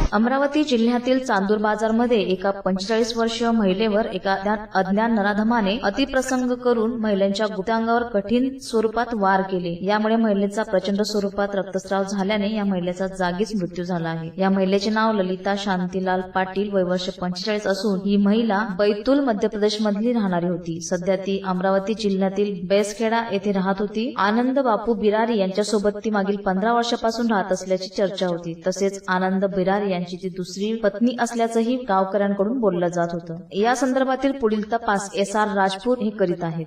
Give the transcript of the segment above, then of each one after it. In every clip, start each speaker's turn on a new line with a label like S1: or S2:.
S1: अमरावती जिल्ह्यातील चांदूर बाजारमध्ये एका 45 वर्षीय महिलेवर एका अज्ञात नराधमाने अतिप्रसंग करून महिलेच्या गुप्तांगावर कठीण स्वरूपात वार केले। यामुळे महिलेचा प्रचंड स्वरूपात रक्तस्राव झाल्याने या महिलेचा जागीच मृत्यू झाला आहे। या महिलेचे नाव ललिता शांतीलाल पाटील, वय वर्ष 45 असून ही महिला बैतूल मध्य प्रदेश मधली राहणारी होती। सध्या ती अमरावती जिल्ह्यातील बेसखेडा येथे राहत होती। आनंद बापू बिरारी यांच्यासोबत ती मागील 15 वर्षापासून राहत असल्याची चर्चा होती। तसेच आनंद बिरारी यांची ती दुसरी पत्नी असल्याचंही गावकऱ्यांकडून बोललं जात होतं। या संदर्भातील पुढील तपास SR राजपूत हे करीत आहेत।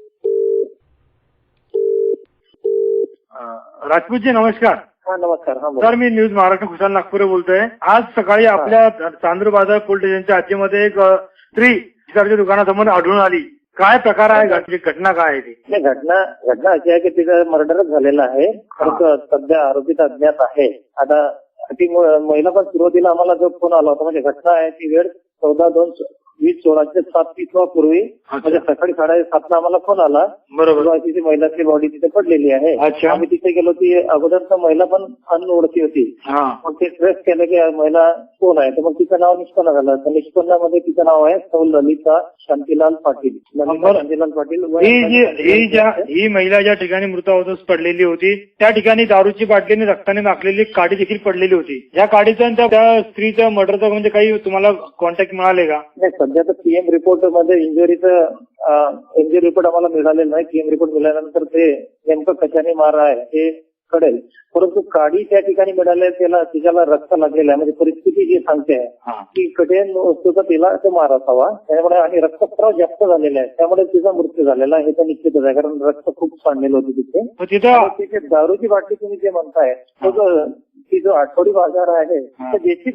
S2: राजपूतजी नमस्कार।
S3: नमस्कार।
S2: सर, मी न्यूज महाराष्ट्र खुशाल नागपूर बोलतोय। आज सकाळी आपल्या चांदूर बाजार पोलीस स्टेशनच्या हद्दीमध्ये एक स्त्री तिच्या दुकानासमोर आढळून आली। काय प्रकार आहे, घटना काय आहे ती?
S3: घटना अशी आहे की तिचं मर्डरच झालेलं आहे, परंतु सध्या आरोपीत अज्ञात आहे। आता ती महिला पण सुरुवातीला आम्हाला जो फोन आला होता, म्हणजे घटना आहे ती वेळ 14/2/2016 7:30 पूर्वी, म्हणजे सकाळी 7:30 आम्हाला फोन आला।
S2: बरोबर।
S3: तिची महिलाची बॉडी तिथे पडलेली आहे। आम्ही तिथे गेलो, ती अगोदर तर महिला पण अनओळखी होती। मग ते ट्रेस केलं की महिला कोण आहे, तर मग तिचं नाव निष्पन्न झालं। तर निष्पन्नामध्ये तिचं नाव आहे सौ ललिता शांतीलाल पाटील। शांतीलाल पाटील
S2: ही महिला ज्या ठिकाणी मृतावस्थेत पडलेली होती त्या ठिकाणी दारूची बाटलीने रक्ताने माखलेली काडी देखील पडलेली होती। या काडीचा त्या स्त्रीचं मर्डरचा म्हणजे काही तुम्हाला कॉन्टॅक्ट मिळाले का?
S3: सध्या तर पीएम रिपोर्ट मध्ये इंजुरी रिपोर्ट आम्हाला मिळालेलं नाही। पीएम रिपोर्ट मिळाल्यानंतर ते नेमकं कशाने मार आहे हे कळेल, परंतु काडी त्या ठिकाणी मिळाले, तिच्याला रक्त लागलेलं आहे। म्हणजे परिस्थिती जी सांगते की कठीण वस्तूचा तिला तो मार असावा, त्यामुळे आणि रक्तस्राव जास्त झालेला आहे, त्यामुळे तिचा मृत्यू झालेला आहे। हे तर निश्चितच आहे, कारण रक्त खूप सांडलेलं होतं तिथे। तिथे दारूची बाटली तुम्ही जे म्हणताय, ती जो आठवडी बाजार आहे, तर देशी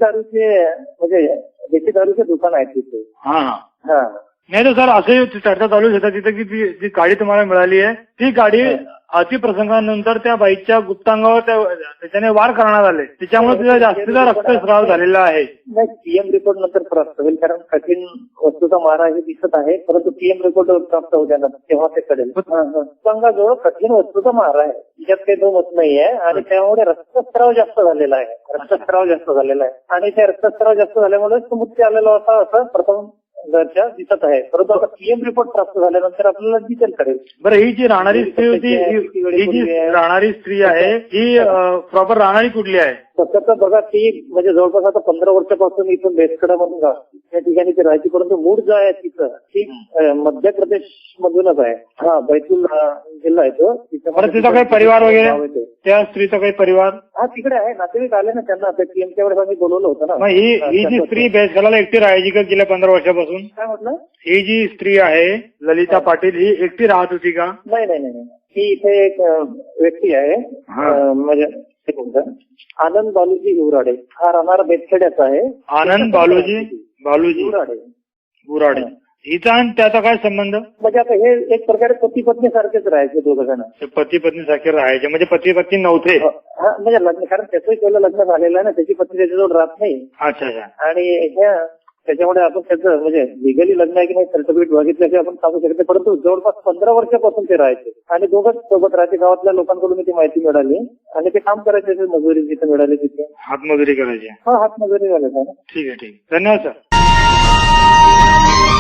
S3: दारूचे दुकान आहे तिथे।
S2: नाही तर सर, असे चर्चा चालू होता तिथे की जी गाडी तुम्हाला मिळाली आहे ती गाडी अतिप्रसंगानंतर त्या बाईच्या गुप्तांगावर त्याच्याने वार करण्यात आले, त्याच्यामुळे तिचा जास्तीचा रक्तस्राव झालेला आहे।
S3: नाही, पीएम रिपोर्ट नंतर प्राप्त होईल, कारण कठीण वस्तूचा मारा हे दिसत आहे, परंतु पीएम रिपोर्ट प्राप्त होत्या तेव्हा ते कळेल। गुप्तांगाजवळ कठीण वस्तूचा मारा आहे, त्याच्यात काही दोन मत नाही आहे, आणि त्यामुळे रक्तस्राव जास्त झालेला आहे। आणि त्या रक्तस्राव जास्त झाल्यामुळे मृत्यू आलेला होता असं प्रथम दर्जा दिसत आहे, परंतु आता पीएम रिपोर्ट प्राप्त झाल्यानंतर आपल्याला डिटेल कळेल।
S2: बरं, ही जी राहणारी स्त्री होती, ही जी राहणारी स्त्री आहे ही प्रॉपर राहणारी कुठली आहे?
S3: तसं बघा, ती म्हणजे जवळपास आता 15 वर्षापासून इथून बेसखेडामधून त्या ठिकाणी ती राहायची, परंतु मूळ जो आहे तिचं ती मध्य प्रदेश मधूनच आहे। बैतूल जिल्हा आहे तो।
S2: तिचा काही परिवार वगैरे, त्या स्त्रीचा काही परिवार?
S3: तिकडे आहे, नातेवाईक आले ना त्यांना, पीएमच्या वेळेस आम्ही बोलवलं होतं ना।
S2: ही जी स्त्री बेसखेडाला एकटी राहायची का गेल्या 15 वर्षापासून?
S3: काय म्हटलं?
S2: ही जी स्त्री आहे ललिता पाटील, ही एकटी राहत होती का?
S3: नाही, ही इथे एक व्यक्ती आहे, म्हणजे आनंद बालूजी गुराडे, हा राहणारा बेसखेड्याचा आहे।
S2: आनंद बालूजी गुराडे, हिचा आणि त्याचा काय संबंध?
S3: म्हणजे आता हे एक प्रकारे पती पत्नी सारखेच राहायचे, दोघ जण
S2: पती पत्नी सारखे राहायचे, म्हणजे पती पत्नी नव्हते?
S3: म्हणजे लग्न, कारण त्याचंही पहिलं लग्न झालेलं आहे ना, त्याची पत्नी त्याच्याजवळ राहत नाही।
S2: अच्छा।
S3: आणि त्याच्यामुळे आपण त्याचं म्हणजे लिगली लग्न आहे की नाही सर्टिफिकेट बघितलं की आपण सांगू शकतो, परंतु जवळपास 15 वर्षापासून ते राहायचे आणि दोघंच सोबत राहायचे। गावातल्या लोकांकडून ती माहिती मिळाली आणि ते काम करायचे, मजुरी जिथे मिळाली तिथे
S2: हातमजुरी करायची।
S3: हातमजुरी झाली।
S2: ठीक आहे, धन्यवाद सर।